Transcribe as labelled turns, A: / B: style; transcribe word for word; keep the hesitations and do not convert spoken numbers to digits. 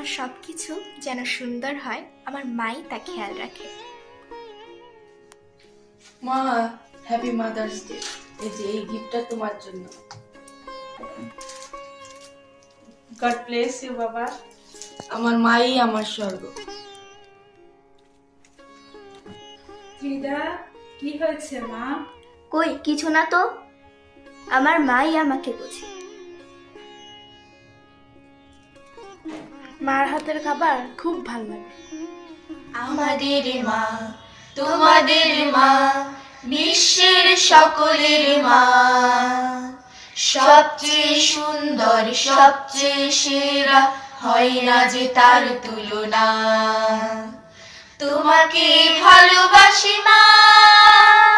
A: আমার সব কিছু যেন সুন্দর হয়, আমার মাই তা খেয়াল রাখে।
B: মা, হ্যাপি মাদার্স ডে। এই যে এই গিফটটা তোমার জন্য।
C: গড ব্লেস ইউ বাবা।
B: আমার মাই আমার স্বর্গ।
C: ত্রিদা, কি হয়েছে মা?
A: কই কিছু না তো, আমার মাই আমাকে বোঝে।
D: মার হাতের খাবার খুব ভালো লাগে।
E: আমাদের মা, তোমাদের মা, বিশ্বের সকলের মা, সবচেয়ে সুন্দর, সবচেয়ে সেরা, হয় না যে তার তুলনা। তোমাকে ভালোবাসি মা।